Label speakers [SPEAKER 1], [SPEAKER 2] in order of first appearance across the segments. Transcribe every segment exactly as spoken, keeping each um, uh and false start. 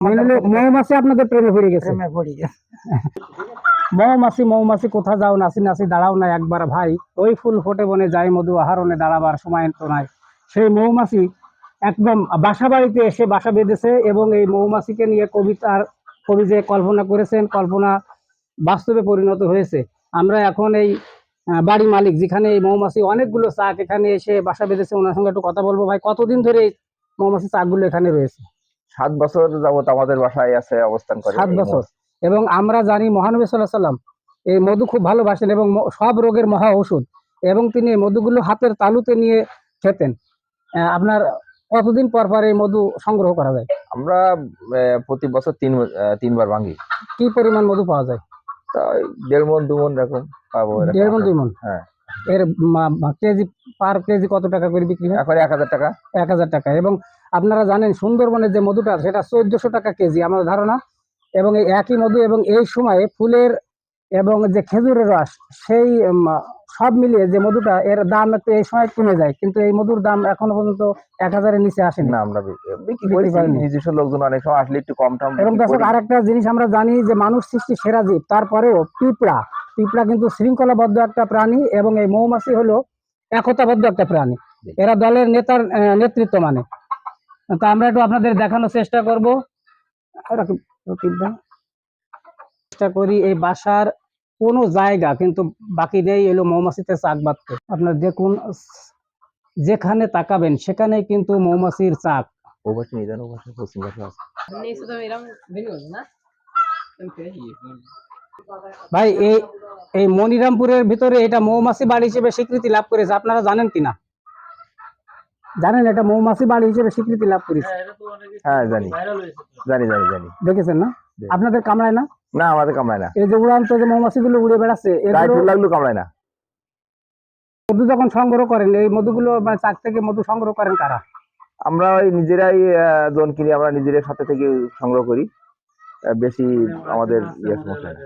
[SPEAKER 1] মৌমাছি আপনাদের প্রেমে পড়ে গেছে।
[SPEAKER 2] প্রেমে পড়ে গেছে।
[SPEAKER 1] মৌমাছি মৌমাছি কোথা যাও নাচি নাচি দাঁড়াও না একবার ভাই, ওই ফুল ফোটে বনে যায় মধু আহরণে দাঁড়াবার সময় তো নাই। সেই মৌমাছি একদম বাসা বাড়িতে এসে বাসা বেঁধেছে এবং এই মৌমাছিকে নিয়ে কবিতার কবি যে কল্পনা করেছেন, কল্পনা বাস্তবে পরিণত হয়েছে। আমরা এখন এই আহ, বাড়ি মালিক যেখানে এই মৌমাছি অনেকগুলো চাক এখানে এসে বাসা বেঁধেছে, ওনার সঙ্গে একটু কথা বলবো। ভাই, কতদিন ধরে এই মৌমাছি চাকগুলো এখানে রয়েছে?
[SPEAKER 3] সাত বছর যাবত আমাদের বাসায় আছে, অবস্থান করে
[SPEAKER 1] সাত
[SPEAKER 3] এই
[SPEAKER 1] বছর
[SPEAKER 3] মৌমাছি।
[SPEAKER 1] এবং আমরা জানি মহানবী সাল্লাল্লাহু আলাইহি সাল্লাম এই মধু খুব ভালোবাসেন এবং ম- সব রোগের মহা ঔষধ, এবং তিনি এই মধুগুলো হাতের তালুতে নিয়ে খেতেন। আহ, আপনার কতদিন পর পর এই মধু সংগ্রহ করা যায়?
[SPEAKER 3] আমরা আহ, প্রতি বছর তিন আহ, তিনবার ভাঙি।
[SPEAKER 1] কি পরিমাণ মধু পাওয়া যায়?
[SPEAKER 3] তা ওই দেড় মন দু মন এরকম পাবো এরকম
[SPEAKER 1] দেড় মণ
[SPEAKER 3] আশা
[SPEAKER 1] দুই
[SPEAKER 3] করি।
[SPEAKER 1] মণ
[SPEAKER 3] হ্যাঁ,
[SPEAKER 1] এর মা- মা- কেজি পার কেজি কত টাকা করে বিক্রি হয়?
[SPEAKER 3] এখন এক হাজার টাকা।
[SPEAKER 1] এক হাজার টাকা। এবং আপনারা জানেন সুন্দরবনের যে মধুটা সেটা চোদ্দশো টাকা কেজি আমার ধারণা। এবং এই একই মধু এবং এই সময়ে ফুলের এবং যে খেজুরের রস সেই উম, সব মিলিয়ে যে মধুটা এর দাম একটু এই সময় কমে যায়, কিন্তু এই মধুর দাম এখনো পর্যন্ত এক হাজারের নিচে আসেনি।
[SPEAKER 3] না, আমরা বি- বিক্রি
[SPEAKER 1] বিক্রি
[SPEAKER 3] করেছি।
[SPEAKER 1] করেনি।
[SPEAKER 3] নিজস্ব লোকজন অনেক সময় আসলে একটু কম টাম
[SPEAKER 1] এবং
[SPEAKER 3] বিক্রি
[SPEAKER 1] দর্শক
[SPEAKER 3] করি।
[SPEAKER 1] আরেকটা জিনিস আমরা জানি যে মানুষ সৃষ্টি সেরা জীব, তারপরেও পিঁপড়া পিঁপড়া কিন্তু শৃঙ্খলাবদ্ধ একটা প্রাণী এবং এই মৌমাছি হলো একতাবদ্ধ একটা প্রাণী। এরা দলের নেতার আহ, নেতৃত্ব মানে। তা আমরা একটু আপনাদের দেখানোর চেষ্টা করব। আমরা কি- পিঁপড়া? চেষ্টা করি এই বাসার কোনো জায়গা কিন্তু বাকি নেই এলো মৌমাছিতে চাক বাঁধতে। আপনার দেখুন, যেখানে তাকাবেন সেখানেই কিন্তু মৌমাছির চাক।
[SPEAKER 3] ও পাশে নিয়ে যান, ও পাশে পশ্চিম পাশে আছে।
[SPEAKER 1] ভাই, এই এই মনিরামপুরের ভিতরে এটা মৌমাছি বাড়ি হিসেবে স্বীকৃতি লাভ করেছে, আপনারা জানেন কিনা? জানেন এটা মৌমাছি বাড়ি হিসেবে স্বীকৃতি লাভ করেছে?
[SPEAKER 3] হ্যাঁ, জানি জানি জানি জানি।
[SPEAKER 1] দেখেছেন না?
[SPEAKER 3] জি।
[SPEAKER 1] আপনাদের কামড়ায় না?
[SPEAKER 3] না, আমাদের কামড়ায় না।
[SPEAKER 1] এই যে উড়ান্ত যে মৌমাছিগুলো উড়ে বেড়াচ্ছে
[SPEAKER 3] গায়ে
[SPEAKER 1] এগুলো
[SPEAKER 3] ফুল লাগলো কামড়ায় না।
[SPEAKER 1] মধু যখন সংগ্রহ করেন এই মধুগুলো মানে চাক থেকে মধু সংগ্রহ করেন কারা?
[SPEAKER 3] আমরা ওই নিজেরাই আহ, জন কিনি, আমরা নিজেদের সাথে থেকে সংগ্রহ করি। আহ, বেশি আমাদের ইয়ে সমস্যা হয় না।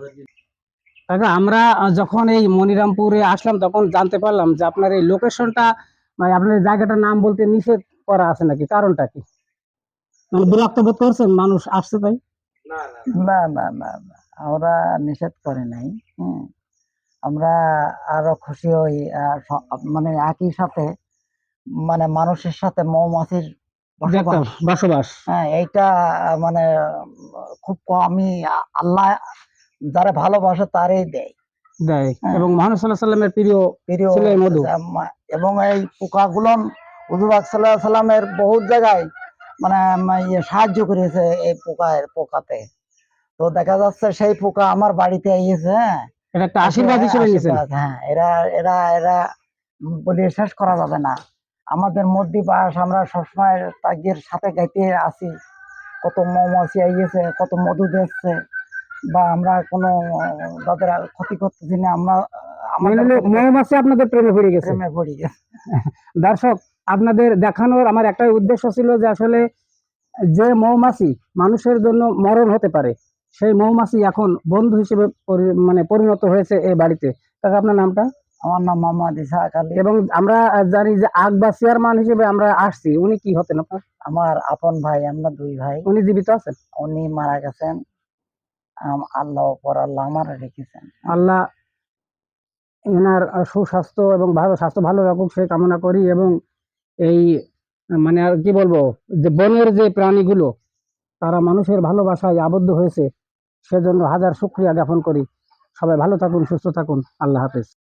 [SPEAKER 1] কাকা, আমরা আহ, যখন এই মনিরামপুরে আসলাম তখন জানতে পারলাম যে আপনার এই লোকেশনটা মানে আপনার এই জায়গাটার নাম বলতে নিষেধ করা আছে নাকি? কারণটা কি? মানে বিরক্ত বোধ করছেন মানুষ আসছে তাই?
[SPEAKER 2] না না না না, আমরা নিষেধ করে নাই। হুম, আমরা আরো খুশি হই। আহ, স- মানে একই সাথে মানে মানুষের সাথে মৌমাছির
[SPEAKER 1] যে একটা
[SPEAKER 2] বসবাস।
[SPEAKER 1] বসবাস।
[SPEAKER 2] হ্যাঁ, এইটা আহ, মানে আহ, খুব কমই আ- আল্লাহ যারা ভালোবাসে তারই দেয়।
[SPEAKER 1] দেয়
[SPEAKER 2] হ্যাঁ,
[SPEAKER 1] এবং মহানবী সাল্লাল্লাহু আলাইহি সাল্লামের প্রিয়
[SPEAKER 2] প্রিয়
[SPEAKER 1] ছিল এই মধু।
[SPEAKER 2] আম- এবং এই পোকাগুলো হুজুর সাল্লাহ সাল্লামের বহুত জায়গায় মানে উম, ইয়ে সাহায্য করেছে এই পোকায় পোকাতে। তো দেখা যাচ্ছে সেই পোকা আমার বাড়িতে এসেছে। হ্যাঁ,
[SPEAKER 1] এটা একটা
[SPEAKER 2] এসে
[SPEAKER 1] আশীর্বাদ হিসেবে নিয়েছেন।
[SPEAKER 2] আশীর্বাদ। হ্যাঁ, এরা এরা এরা বলে শেষ করা যাবে না। আমাদের মধ্যে বাস, আমরা সবসময় তাদের সাথে গাইতে আছি। কত মৌমাছি আইয়েছে, কত মধু দিচ্ছে, বা আমরা কোনো তাদের ক্ষতি করতেছি না। আমরা
[SPEAKER 1] মানে
[SPEAKER 2] আমাদের
[SPEAKER 1] হলো
[SPEAKER 2] ক্ষতি করতে-
[SPEAKER 1] মৌমাছি আপনাদের প্রেমে পড়ে গেছে।
[SPEAKER 2] প্রেমে পড়ি গেছে।
[SPEAKER 1] দর্শক, আপনাদের দেখানোর আমার একটাই উদ্দেশ্য ছিল যে আসলে যে মৌমাছি মানুষের জন্য মরণ হতে পারে সেই মৌমাছি এখন বন্ধু হিসেবে পরি- মানে পরিণত হয়েছে এই বাড়িতে। কাকা, আপনার নামটা?
[SPEAKER 2] আমার নাম মোহাম্মদ ইসাহাক আলী।
[SPEAKER 1] এবং আমরা জানি যে আগ বা চেয়ারম্যান হিসেবে আমরা আসছি, উনি কি হতেন আপনার?
[SPEAKER 2] আমার আপন ভাই, আমরা দুই ভাই।
[SPEAKER 1] উনি জীবিত আছেন?
[SPEAKER 2] উনি মারা গেছেন। আম- আল্লাহ পর আল্লাহ আমার রেখেছেন।
[SPEAKER 1] আল্লাহ এনার সুস্বাস্থ্য এবং ভালো স্বাস্থ্য ভালো রাখুক সেই কামনা করি। এবং এই মানে আর কি বলবো, যে বনের যে প্রাণীগুলো তারা মানুষের ভালোবাসায় আবদ্ধ হয়েছে, সেজন্য হাজার শুকরিয়া জ্ঞাপন করি। সবাই ভালো থাকুন, সুস্থ থাকুন। আল্লাহ হাফেজ।